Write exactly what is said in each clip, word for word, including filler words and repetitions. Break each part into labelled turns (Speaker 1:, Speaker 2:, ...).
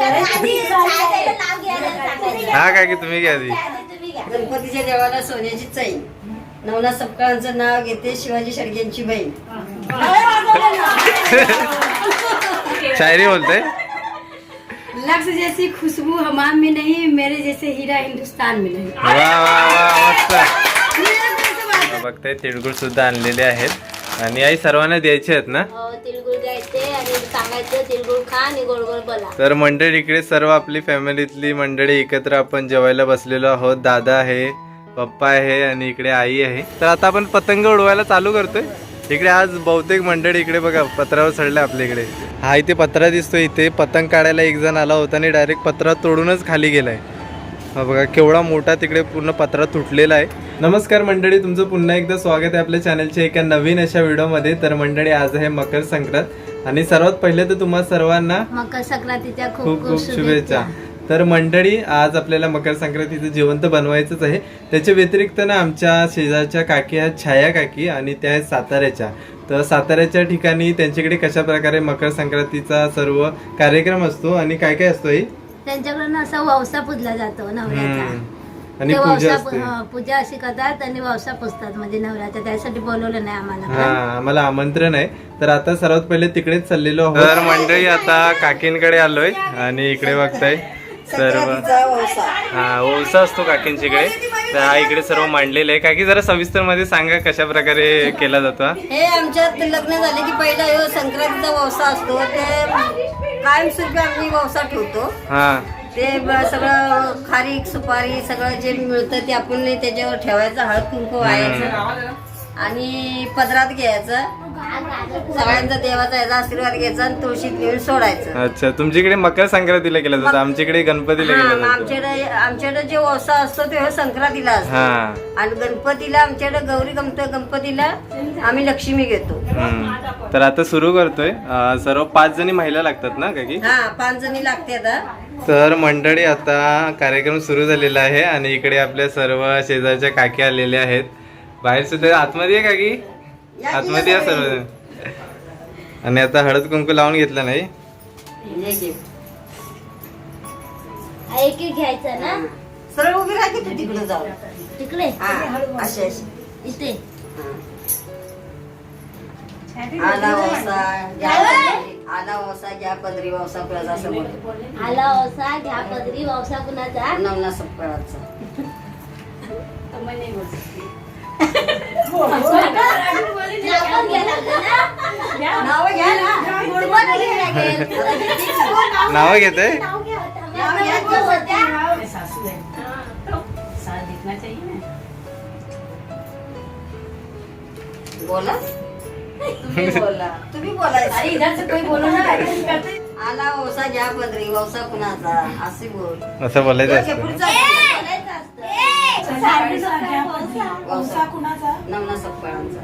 Speaker 1: हा काय की तुम्ही घ्या आधी.
Speaker 2: गणपतीच्या देवाला सोन्याची चैन, नवनाथ सपकाळांचं नाव घेते, शिवाजी शेडग्यांची बहीण.
Speaker 1: शायरी बोलते.
Speaker 2: लक्ष्य जैसी खुशबू हमाम में नहीं, मेरे जैसे हीरा हिंदुस्तान में नहीं.
Speaker 1: वा वा वा मस्त. बघताय तिळगुळ सुद्धा आणलेले आहेत आणि आई सर्वांना द्यायचे आहेत ना.
Speaker 3: तिळगुळ द्यायचे आणि सांगायचं तिळगुळ खा आणि गोड गोड बोला.
Speaker 1: तर मंडळी इकडे सर्व आपली फॅमिलीतली मंडळी एकत्र आपण जेवायला बसलेलो आहोत. दादा आहे, पप्पा आहे आणि इकडे आई आहे. तर आता आपण पतंग उडवायला चालू करतोय. इकडे आज बहुतेक मंडळी इकडे बघा पत्रावर चढले आपल्या इकडे. हा इथे पत्रा दिसतोय. इथे पतंग काढायला एक जण आला होता आणि डायरेक्ट पत्रा तोडूनच खाली गेलाय. हा बघा केवढा मोठा तिकडे पूर्ण पत्रा तुटलेला आहे. नमस्कार मंडळी, तुमचं पुन्हा एकदा स्वागत आहे आपल्या चॅनलच्या एका नवीन अशा व्हिडिओमध्ये. तर मंडळी आज आहे मकर संक्रांत आणि सर्वात पहिले तर तुम्हा सर्वांना
Speaker 3: मकर संक्रांतीच्या
Speaker 1: खूप खूप शुभेच्छा. तर मंडळी आज आपल्याला मकर संक्रांतीचं जेवण तर बनवायचंच आहे. त्याच्या व्यतिरिक्त ना आमच्या शेजारच्या काकी आहेत छाया काकी आणि त्या आहेत साताऱ्याच्या. तर साताऱ्याच्या ठिकाणी त्यांच्याकडे कशा प्रकारे मकर संक्रांतीचा सर्व कार्यक्रम असतो आणि काय काय असतो.
Speaker 3: त्यांच्याकडून असा ववसा पूजला जातो नवऱ्याचा
Speaker 1: आणि
Speaker 3: ते
Speaker 1: पूजा
Speaker 3: ववसा
Speaker 1: असते.
Speaker 3: पू- पूजा अशी करतात आणि ववसा पुजतात म्हणजे नवऱ्याचा. त्यासाठी बोलवलं नाही आम्हाला.
Speaker 1: हा आम्हाला आमंत्रण आहे. तर आता सर्वात पहिले तिकडेच चाललेलो आहोत. तर मंडळी आता काकींकडे आलोय आणि इकडे बघताय सर्व हा ओसा असतो काकींच्याकडे. तर हा इकडे सर्व मांडलेलं आहे. काकी जरा सविस्तर मध्ये सांगा कशा प्रकारे केला जातो.
Speaker 2: हे आमच्यात लग्न झाले की पहिला ह्यो संक्रांतीचा ववसा असतो. ते कायमस्वरूपी आम्ही ववसा ठेवतो.
Speaker 1: हा
Speaker 2: ते ब- सगळं खारीक सुपारी सगळं जे मिळतं ते आपण त्याच्यावर ठेवायचं, हळद कुंकू व्हायचं आणि पदरात घ्यायचं. सगळ्यांचा देवाचा याचा आशीर्वाद घ्यायचा आणि तुळशीत नेऊन सोडायचं.
Speaker 1: अच्छा, तुमच्याकडे मकर संक्रांतीला केलं जातं, आमच्याकडे गणपतीला
Speaker 2: हा,
Speaker 1: केलं
Speaker 2: मग
Speaker 1: जातं.
Speaker 2: आमच्याकडे आमच्याकडे जे वसा असतो ते संक्रांतीला असतो
Speaker 1: हा
Speaker 2: आणि गणपतीला आमच्याकडे गौरी गमत गणपतीला आम्ही लक्ष्मी घेतो.
Speaker 1: हम्म. तर आता सुरू करतोय. अं, सर्व पाच जणी महिला लागतात ना काकी.
Speaker 2: हा पाच जणी लागते आता.
Speaker 1: तर मंडळी आता कार्यक्रम सुरू झालेला आहे आणि इकडे आपल्या सर्व शेजारच्या काकी आलेल्या आहेत. बाहेर सुद्धा आतमध्ये आहे काकी, आतमध्ये या सर्व. आणि आता हळद कुंकू लावून घेतलं नाही.
Speaker 2: हे घे.
Speaker 3: एक एक घ्यायचं ना.
Speaker 2: सरळ उभी राहा की तू तिकडे जाऊ.
Speaker 3: तिकडे
Speaker 2: हा असे असे.
Speaker 3: इथे
Speaker 2: आला वसा घ्या पदरी, आला वसा घ्या पदरी वसा कुणाचा असं म्हणतो.
Speaker 3: आला वसा घ्या पदरी ववसा कुणाचा.
Speaker 2: नवना सपकाळाचा.
Speaker 3: आपण घ्या लागलं ना.
Speaker 2: नाव घ्या ना.
Speaker 3: तुम्हाला घ्या लागेल.
Speaker 1: नाव घेते.
Speaker 3: नाव घ्या होता. नाव घ्यायचं होत्या.
Speaker 2: बोला तुम्ही बोला तुम्ही बोलायचं. आला वसा घ्या पदरी वसा कुणाचा असे बोल.
Speaker 1: असं बोलायचं असतं.
Speaker 2: पुढचा
Speaker 3: बोलायचं असतं.
Speaker 2: वसा कुणाचा. नवना सपकाळांचा.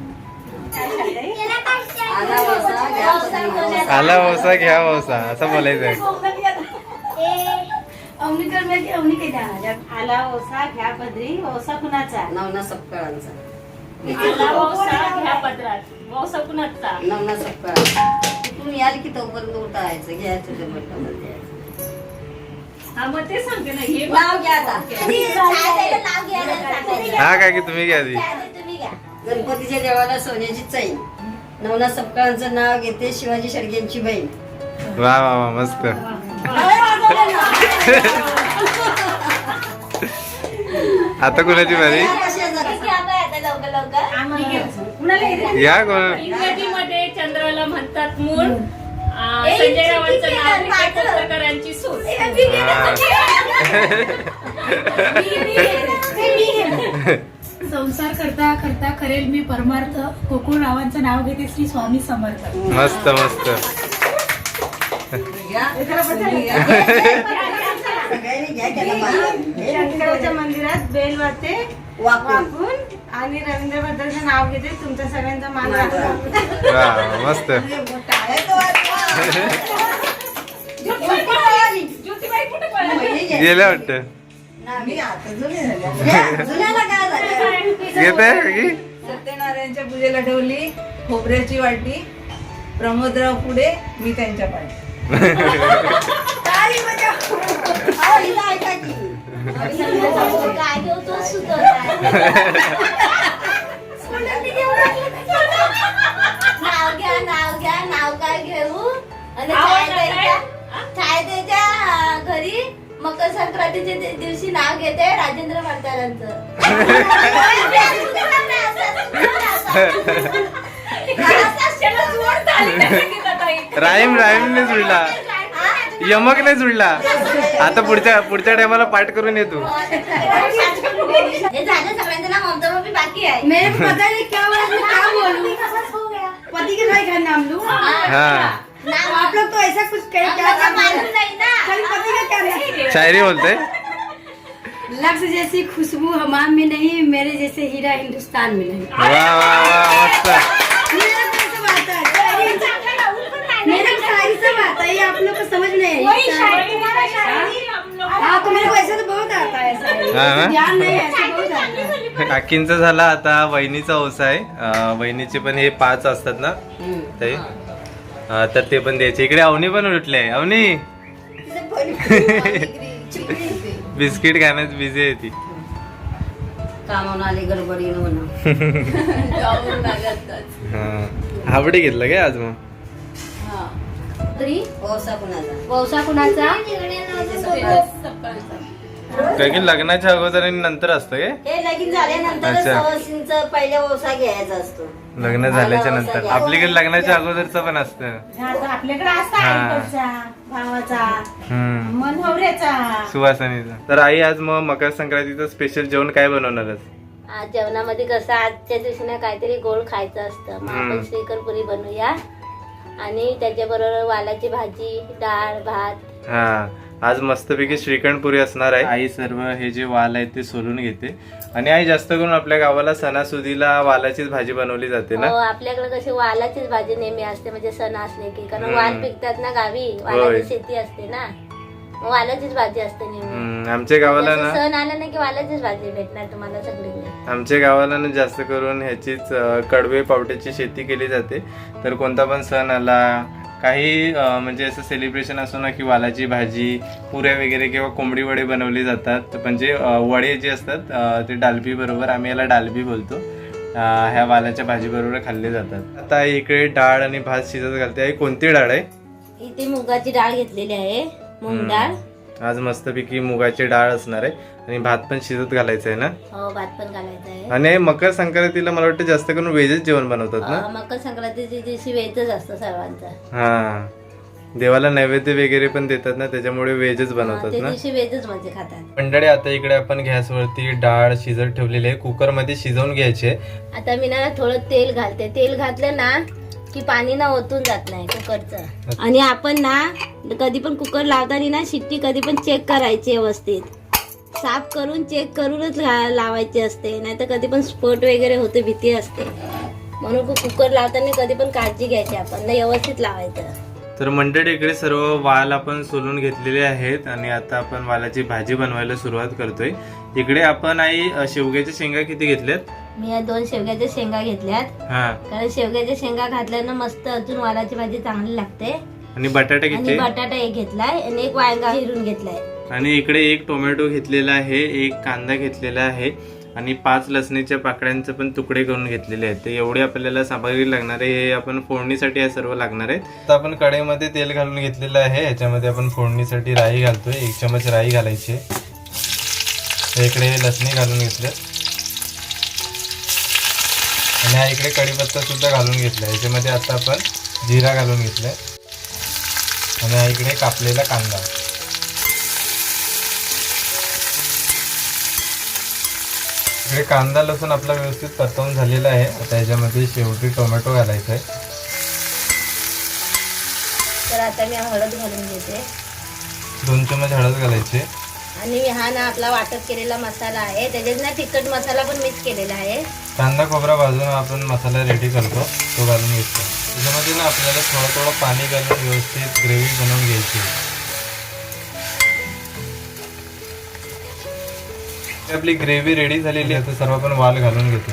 Speaker 2: आला वसा घ्या पदरी वसा.
Speaker 1: आला वसा घ्या वसा असं बोलायचं.
Speaker 4: आला ओसा घ्या पदरी वौसा कुणाचा.
Speaker 2: नवना सपकाळांचा.
Speaker 4: आला ओसा घ्या पदरात वौसा कुणाचा.
Speaker 2: नवना सपकाळांचा. तुम्ही याल की तोपर्यंत उठायचं घ्यायचं ते बटन.
Speaker 4: हा मग ते सांगते ना हे
Speaker 2: नाव घ्या आता.
Speaker 3: नाव घ्यायला सांगायचं.
Speaker 1: हा काकी तुम्ही घ्या आधी.
Speaker 3: तुम्ही घ्या.
Speaker 2: गणपतीच्या देवाला सोन्याची चैन, नवनाथ सपकाळांचं नाव घेते, शिवाजी शेडग्यांची बहीण.
Speaker 1: वा वा वा मस्त. आता कुणाची बारी.
Speaker 3: घ्या बाई आता लवकर लवकर.
Speaker 1: या कोण.
Speaker 4: इंग्रजीमध्ये चंद्राला म्हणतात मूळ. आ, संजय रावांचं नाव विजय कोपरकरांची सून.
Speaker 5: संसार करता करता करेल मी परमार्थ. कोकुळ रावांचं नाव घेते श्री स्वामी समर्थ.
Speaker 1: मस्त मस्त.
Speaker 6: शंकराच्या मंदिरात बेल वाजते वाकून आणि रवींद्र भद्राचं नाव घेते. तुमच्या सगळ्यांचा मान राखून.
Speaker 1: वा मस्त. गेल्या वाटत. घेत आहे काकी.
Speaker 6: सत्यनारायणच्या पूजेला ठेवली खोबऱ्याची वाटी. प्रमोदराव पुढे मी त्यांच्या पाठी.
Speaker 3: नाव घ्या नाव घ्या नाव काय घेऊ आणि
Speaker 4: आवाज
Speaker 3: छाय
Speaker 4: येतोय?
Speaker 3: द्यायच्या छाय द्यायच्या घरी मकर संक्रांतीच्या दि- दिवशी नाव घेते राजेंद्र म्हातारांचं.
Speaker 4: त्याला जोड झाली नाही सांगितलं ताई.
Speaker 1: राईम राईम नाही जुळला, यमक नाही जुळला. आता पुढच्या पुढच्या टायमाला पाठ करून येतो.
Speaker 3: हे झालं सगळ्यांचं नाव ममता मम्मी बाकी आहे.
Speaker 2: मेरे को पता नहीं क्या हुआ, मैं क्या बोलूं। पति के भाई का नाम लूं?
Speaker 1: हा
Speaker 3: नाव
Speaker 2: आप लोग तो ऐसा कुछ कह क्या
Speaker 3: आपल्याला मालूम नाही ना.
Speaker 2: कल पति का क्या नाम?
Speaker 1: शायरी बोलते.
Speaker 2: लक्ष्य जैसी खुशबू हमाम में नहीं, मेरे जैसे हीरा हिंदुस्तान में नहीं।
Speaker 1: वा वा वा मस्त.
Speaker 2: मेरा कौन सा बात है? मेरा शायरी से बात है, ये आप लोग को समझ नहीं
Speaker 4: वही
Speaker 2: है।
Speaker 4: शायरी वाला शायरी हम लोग.
Speaker 2: हाँ तो मेरे को ऐसा तो बहुत आता है शायरी।
Speaker 1: हाँ, हाँ।
Speaker 2: ध्यान नहीं है, ऐसे बहुत आता है।
Speaker 1: काकींचा झाला आता वहिनीचा ओसा आहे. अं, वहिनीचे पण हे पाच असतात ना ते, अं, तर ते पण द्यायचे. इकडे अवनी पण उठले. अवनी बिस्किट खाण्यात बिझी आहे ती.
Speaker 2: कामावून आले गडबडीनं म्हणून.
Speaker 1: हा हावडे घेतलं काय आज मग?
Speaker 3: तरी
Speaker 2: ओसा कुणाचा?
Speaker 3: वौसा कुणाचा?
Speaker 1: काय की लग्नाच्या अगोदर आणि नंतर असतं काय?
Speaker 2: हे लगीन झाल्यानंतर
Speaker 1: अच्छा.
Speaker 2: सवासींचा पहिला ओसा घ्यायचा असतो.
Speaker 1: लग्न झाल्याच्या नंतर. आपल्याकडे लग्नाच्या अगोदरचं पण असतं.
Speaker 6: आपल्याकडे असतं
Speaker 1: हा.
Speaker 6: आईकडचा भावाचा
Speaker 1: हम्म
Speaker 6: मन नवऱ्याचा.
Speaker 1: सुवासनीचा. तर आई आज मग मकर संक्रांतीचं स्पेशल जेवण काय बनवणारच?
Speaker 3: आज जेवणामध्ये कसं आजच्या दिवशी ना काहीतरी गोड खायचं असतं, मग
Speaker 1: हम्म.
Speaker 3: आपण श्रीखंड पुरी बनवूया आणि त्याच्याबरोबर वालाची भाजी, डाळ, भात.
Speaker 1: हा आज मस्तपैकी श्रीखंड पुरी असणार आहे. आई सर्व हे जे वाल आहेत ते सोलून घेते. आणि आई जास्त करून आपल्या गावाला सणासुदीला वालाचीच भाजी बनवली जाते
Speaker 3: हो,
Speaker 1: ना.
Speaker 3: आपल्याकडे कशी वालाचीच भाजी नेहमी असते, म्हणजे सण असले की, कारण
Speaker 1: हम्म.
Speaker 3: वाल पिकतात ना गावी,
Speaker 1: होय.
Speaker 3: वालाची शेती असते ना, मग वालाचीच भाजी असते नेहमी.
Speaker 1: हम्म, आमच्या गावाला
Speaker 3: जसं
Speaker 1: ना
Speaker 3: सण आला ना की वालाचीच भाजी भेटणार तुम्हाला सगळीकडे.
Speaker 1: आमच्या गावाला ना जास्त करून ह्याचीच अं, कडवे पावट्याची शेती केली जाते. तर कोणता पण सण आला, काही अं, म्हणजे असं सेलिब्रेशन असो ना की वालाची भाजी, पुऱ्या वगैरे किंवा कोंबडी वडे बनवले जातात. म्हणजे अं, वडे जे असतात अं, ते डालबी बरोबर, आम्ही याला डालबी बोलतो, अं, ह्या वालाच्या भाजी बरोबर खाल्ले जातात. आता इकडे डाळ आणि भात शिजत घालते. आई कोणती डाळ आहे?
Speaker 3: इथे मुगाची डाळ घेतलेली आहे, मूग
Speaker 1: हम्म.
Speaker 3: डाळ.
Speaker 1: आज मस्तपैकी मुगाची डाळ असणार आहे आणि भात पण शिजत घालायचं आहे ना.
Speaker 3: हो, भात पण घालायचा आहे.
Speaker 1: आणि मकर संक्रांतीला मला वाटतं जास्त करून व्हेजच जेवण बनवतात ना.
Speaker 3: अं, मकर संक्रांतीच्या दिवशी वेजच असतं सर्वांचा.
Speaker 1: हा देवाला नैवेद्य वगैरे पण देतात ना, त्याच्यामुळे व्हेजच
Speaker 3: अं,
Speaker 1: बनवतात
Speaker 3: त्या
Speaker 1: ना.
Speaker 3: दिवशी वेजच म्हणजे खातात.
Speaker 1: मंडळी आता इकडे आपण गॅसवरती डाळ शिजत ठेवलेली आहे, कुकर मध्ये शिजवून घ्यायची आहे.
Speaker 3: आता मी ना थोडं तेल घालते. तेल घातलं ना की पाणी ना ओतून जात नाही कुकरचं. आणि आपण ना कधी पण कुकर लावताना ना शिट्टी कधी पण चेक करायची व्यवस्थित, साफ करून चेक करूनच ला- लावायची असते, नाही तर कधी पण स्फोट वगैरे होते, भीती असते. म्हणून कुकर लावताना कधी पण काळजी घ्यायची आपण, ना व्यवस्थित लावायचं.
Speaker 1: तर मंडळी इकडे सर्व वाल आपण सोलून घेतलेले आहेत आणि आता आपण वालाची भाजी बनवायला सुरुवात करतोय. इकडे आपण आई अ, शेवग्याच्या शेंगा किती घेतल्यात?
Speaker 3: मी या दोन शेवग्याच्या शेंगा घेतल्यात,
Speaker 1: हा
Speaker 3: कारण शेवग्याच्या शेंगा घातल्यानं मस्त अजून वालाची भाजी चांगली लागते.
Speaker 1: आणि बटाटा
Speaker 3: आणि
Speaker 1: किती?
Speaker 3: बटाटा एक घेतलाय आणि एक वांगा चिरून घेतलाय.
Speaker 1: आणि इकडे एक टोमॅटो घेतलेला आहे, एक कांदा घेतलेला आहे आणि पाच लसणीच्या पाकळ्यांचे पण तुकडे करून घेतलेले आहेत. ते एवढे आपल्याला सामग्री लागणार आहे. हे आपण फोडणीसाठी हे सर्व लागणार आहे. आता आपण कढईमध्ये तेल घालून घेतलेलं आहे. याच्यामध्ये आपण फोडणीसाठी राई घालतोय. एक चमच राई घालायची. इकडे लसणी घालून घेतले आणि हा इकडे कढीपत्ता सुद्धा घालून घेतला. याच्यामध्ये आता आपण जिरा घालून घेतलाय आणि हा इकडे कापलेला कांदा. इकडे कांदा लसूण आपला व्यवस्थित परतवून झालेला आहे. आता याच्यामध्ये शेवटी टोमॅटो घालायचा आहे.
Speaker 3: तर आता मी हळद घालून घेते
Speaker 1: दोन चमच हळद घालायचे.
Speaker 3: आणि हा ना आपला वाटप केलेला मसाला आहे, त्याच्यात ना तिखट मसाला पण मिक्स केलेला आहे.
Speaker 1: कांदा खोबरा भाजून आपण मसाला रेडी करतो, तो घालून घेतो. त्याच्यामध्ये ना आपल्याला थोडं थोडं पाणी घालून व्यवस्थित ग्रेव्ही बनवून घ्यायची. आपली ग्रेव्ही रेडी झालेली आहे. तर सर्व आपण वाल घालून घेतो.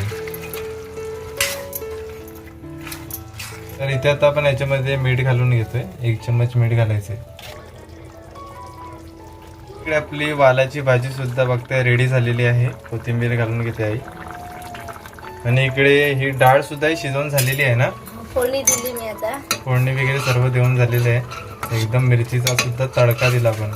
Speaker 1: तर इथे आता आपण याच्यामध्ये मीठ घालून घेतोय. एक चम्मच मीठ घालायचे. इकडे आपली वालाची भाजी सुद्धा बघताय रेडी झालेली आहे. कोथिंबीर घालून घेते आई. आणि इकडे ही डाळ सुद्धा शिजवून झालेली आहे ना.
Speaker 3: फोडणी दिली मी आता.
Speaker 1: फोडणी वगैरे सर्व देऊन झालेले आहे. एकदम मिरचीचा सुद्धा तडका दिला पण.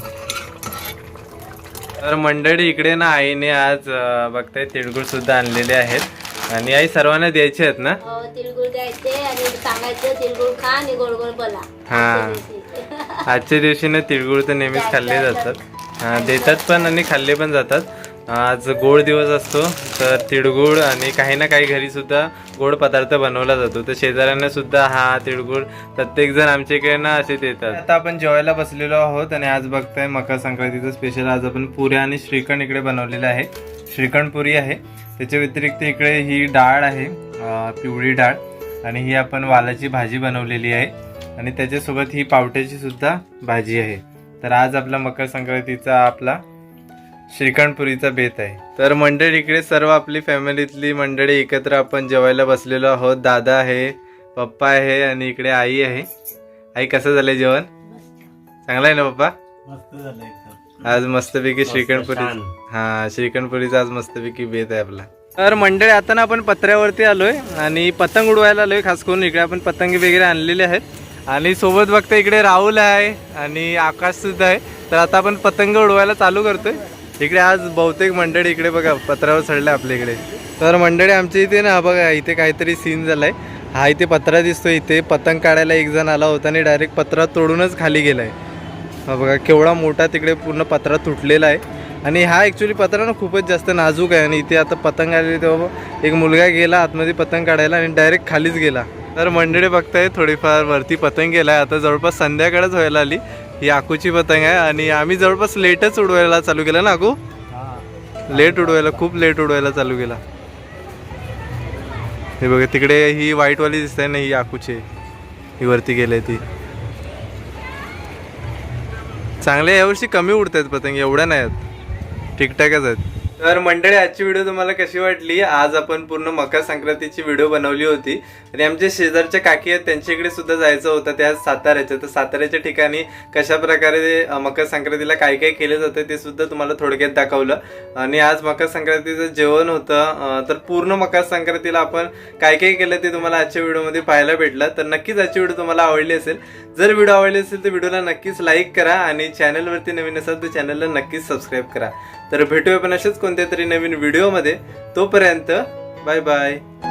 Speaker 1: तर मंडळी इकडे ना आईने आज अं, बघताय तिळगुळ सुद्धा आणलेले आहेत आणि आई सर्वांना द्यायचे आहेत ना.
Speaker 3: हो, तिळगुळ द्यायचे आणि सांगायचं तिळगुळ खा आणि गोड गोड बोला.
Speaker 1: हा. आजच्या दिवशी ना तिळगुळ तर नेहमीच खाल्ले जातात. हा, देतात पण आणि खाल्ले पण जातात. आज गोड दिवस असतो तर तिळगुळ आणि काही ना काही घरी सुद्धा गोड पदार्थ बनवला जातो. तर शेजाऱ्यांना सुद्धा हा तिळगुळ प्रत्येक जण आमच्या इकडे ना असे देतात. आता आपण जेवायला बसलेलो आहोत आणि आज बघताय मकर संक्रांतीचं स्पेशल आज आपण पुऱ्या आणि श्रीखंड इकडे बनवलेलं आहे. श्रीखंड पुरी आहे. त्याच्या व्यतिरिक्त इकडे ही डाळ आहे, अं, पिवळी डाळ, आणि ही आपण वालाची भाजी बनवलेली आहे आणि त्याच्यासोबत ही पावट्याची सुद्धा भाजी आहे. तर आज आपला मकर संक्रांतीचा आपला श्रीखंडपुरीचा बेत आहे. तर मंडळी इकडे सर्व आपली फॅमिलीतली मंडळी एकत्र आपण जेवायला बसलेलो आहोत. दादा आहे, पप्पा आहे आणि इकडे आई आहे. आई कसं झालंय जेवण? चांगलं आहे ना पप्पा?
Speaker 7: मस्त झालं एकदम.
Speaker 1: आज मस्तपैकी श्रीखंडपुरी. हा, श्रीखंडपुरीचा आज मस्तपैकी बेत आहे आपला. तर मंडळी आता ना आपण पत्र्यावरती आलोय आणि पतंग उडवायला आलोय. खास करून इकडे आपण पतंग वगैरे आणलेले आहेत आणि सोबत बघता इकडे राहुल आहे आणि आकाश सुद्धा आहे. तर आता आपण पतंग उडवायला चालू करतोय. इकडे आज बहुतेक मंडळी इकडे बघा पत्रावर चढले आपल्या इकडे. तर मंडळी आमच्या इथे ना बघा इथे काहीतरी सीन झालाय. हा इथे पत्रा दिसतोय. इथे पतंग काढायला एक जण आला होता आणि डायरेक्ट पत्रा तोडूनच खाली गेलाय. हा बघा केवढा मोठा तिकडे पूर्ण पत्रा तुटलेला आहे आणि हा ॲक्च्युली पत्रा ना खूपच जास्त नाजूक आहे. आणि इथे आता पतंग आलेली तेव्हा एक मुलगा गेला आतमध्ये पतंग काढायला आणि डायरेक्ट खालीच गेला. तर मंडळी बघताय थोडीफार वरती पतंग गेलाय. आता जवळपास संध्याकाळच व्हायला आली. ही आकूची पतंग आहे आणि आम्ही जवळपास लेटच उडवायला चालू केलं ना आकू. लेट उडवायला खूप लेट उडवायला चालू केला. हे बघा तिकडे ही व्हाईटवाली दिसत आहे ना, ही आकूची ही वरती गेले. ती चांगले यावर्षी कमी उडत आहेत पतंग, एवढ्या नाही आहेत, ठीकठाकच आहेत. तर मंडळी आजची व्हिडिओ तुम्हाला कशी वाटली? आज आपण पूर्ण मकर संक्रांतीची व्हिडिओ बनवली होती आणि आमच्या शेजारच्या काकी आहेत त्यांच्याकडे सुद्धा जायचं होतं. त्या साताऱ्याच्या. तर साताऱ्याच्या ठिकाणी कशा प्रकारे मकर संक्रांतीला काय काय केलं जातं ते सुद्धा तुम्हाला थोडक्यात दाखवलं. आणि आज मकर संक्रांतीचं जेवण होतं. तर पूर्ण मकर संक्रांतीला आपण काय काय केलं ते तुम्हाला आजच्या व्हिडिओमध्ये पाहायला भेटलं. तर नक्कीच आजची व्हिडिओ तुम्हाला आवडली असेल. जर व्हिडिओ आवडली असेल तर व्हिडिओला नक्कीच लाईक करा आणि चॅनलवरती नवीन असाल तर चॅनलला नक्कीच सबस्क्राईब करा. तर भेटूया पण असेच कोणत्या तरी नवीन व्हिडिओमध्ये. तोपर्यंत बाय बाय.